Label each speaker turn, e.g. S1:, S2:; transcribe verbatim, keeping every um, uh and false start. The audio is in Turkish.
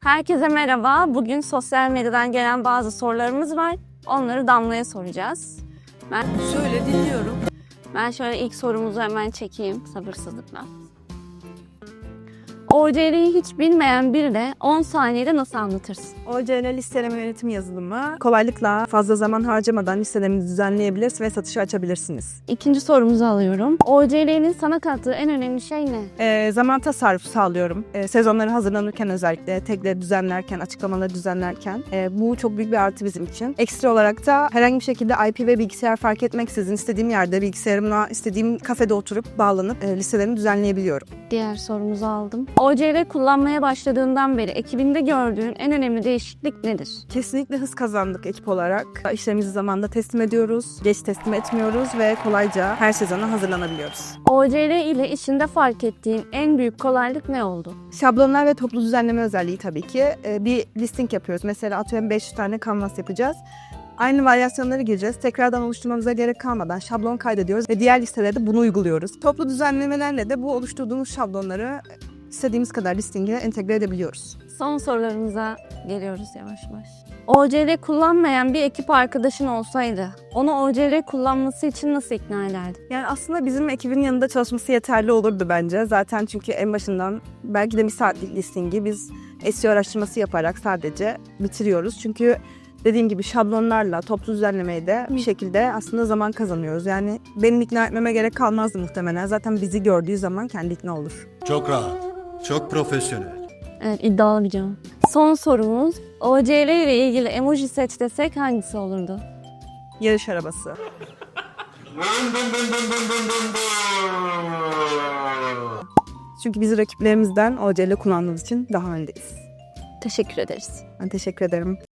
S1: Herkese merhaba. Bugün sosyal medyadan gelen bazı sorularımız var. Onları Damla'ya soracağız. Ben
S2: Söyle, dinliyorum.
S1: ben şöyle ilk sorumuzu hemen çekeyim sabırsızlıkla. O C L'yi hiç bilmeyen birine on saniyede nasıl anlatırsın?
S2: O C L listeleme yönetim yazılımı kolaylıkla fazla zaman harcamadan listelerinizi düzenleyebilir ve satışa açabilirsiniz.
S1: İkinci sorumuzu alıyorum. O C L'nin sana kattığı en önemli şey ne?
S2: Ee, zaman tasarrufu sağlıyorum. Ee, sezonları hazırlanırken özellikle tagleri düzenlerken, açıklamaları düzenlerken e, bu çok büyük bir artı bizim için. Ekstra olarak da herhangi bir şekilde I P ve bilgisayar fark etmeksizin istediğim yerde bilgisayarımla istediğim kafede oturup bağlanıp e, listelerimi düzenleyebiliyorum.
S1: Diğer sorumuzu aldım. O C L kullanmaya başladığından beri ekibinde gördüğün en önemli değişiklik nedir?
S2: Kesinlikle hız kazandık ekip olarak. İşlerimizi zamanında teslim ediyoruz, geç teslim etmiyoruz ve kolayca her sezona hazırlanabiliyoruz.
S1: O C L ile işinde fark ettiğin en büyük kolaylık ne oldu?
S2: Şablonlar ve toplu düzenleme özelliği tabii ki. Ee, bir listing yapıyoruz. Mesela atıyorum beş yüz tane kanvas yapacağız. Aynı varyasyonları gireceğiz. Tekrardan oluşturmamıza gerek kalmadan şablon kaydediyoruz ve diğer listelerde bunu uyguluyoruz. Toplu düzenlemelerle de bu oluşturduğumuz şablonları istediğimiz kadar listinge entegre edebiliyoruz.
S1: Son sorularımıza geliyoruz yavaş yavaş. O C L kullanmayan bir ekip arkadaşın olsaydı onu O C L kullanması için nasıl ikna ederdin?
S2: Yani aslında bizim ekibin yanında çalışması yeterli olurdu bence. Zaten çünkü en başından belki de bir saatlik listingi biz S E O araştırması yaparak sadece bitiriyoruz. Çünkü dediğim gibi şablonlarla toplu düzenlemeyi de bir şekilde aslında zaman kazanıyoruz. Yani benim ikna etmeme gerek kalmazdı muhtemelen. Zaten bizi gördüğü zaman kendi ikna olur.
S3: Çok rahat, çok profesyonel.
S1: Evet, iddialı bir cevap. Son sorumuz, O C L ile ilgili emoji seç desek hangisi olurdu?
S2: Yarış arabası. Çünkü biz rakiplerimizden O C L kullandığımız için daha öndeyiz.
S1: Teşekkür ederiz.
S2: Ben teşekkür ederim.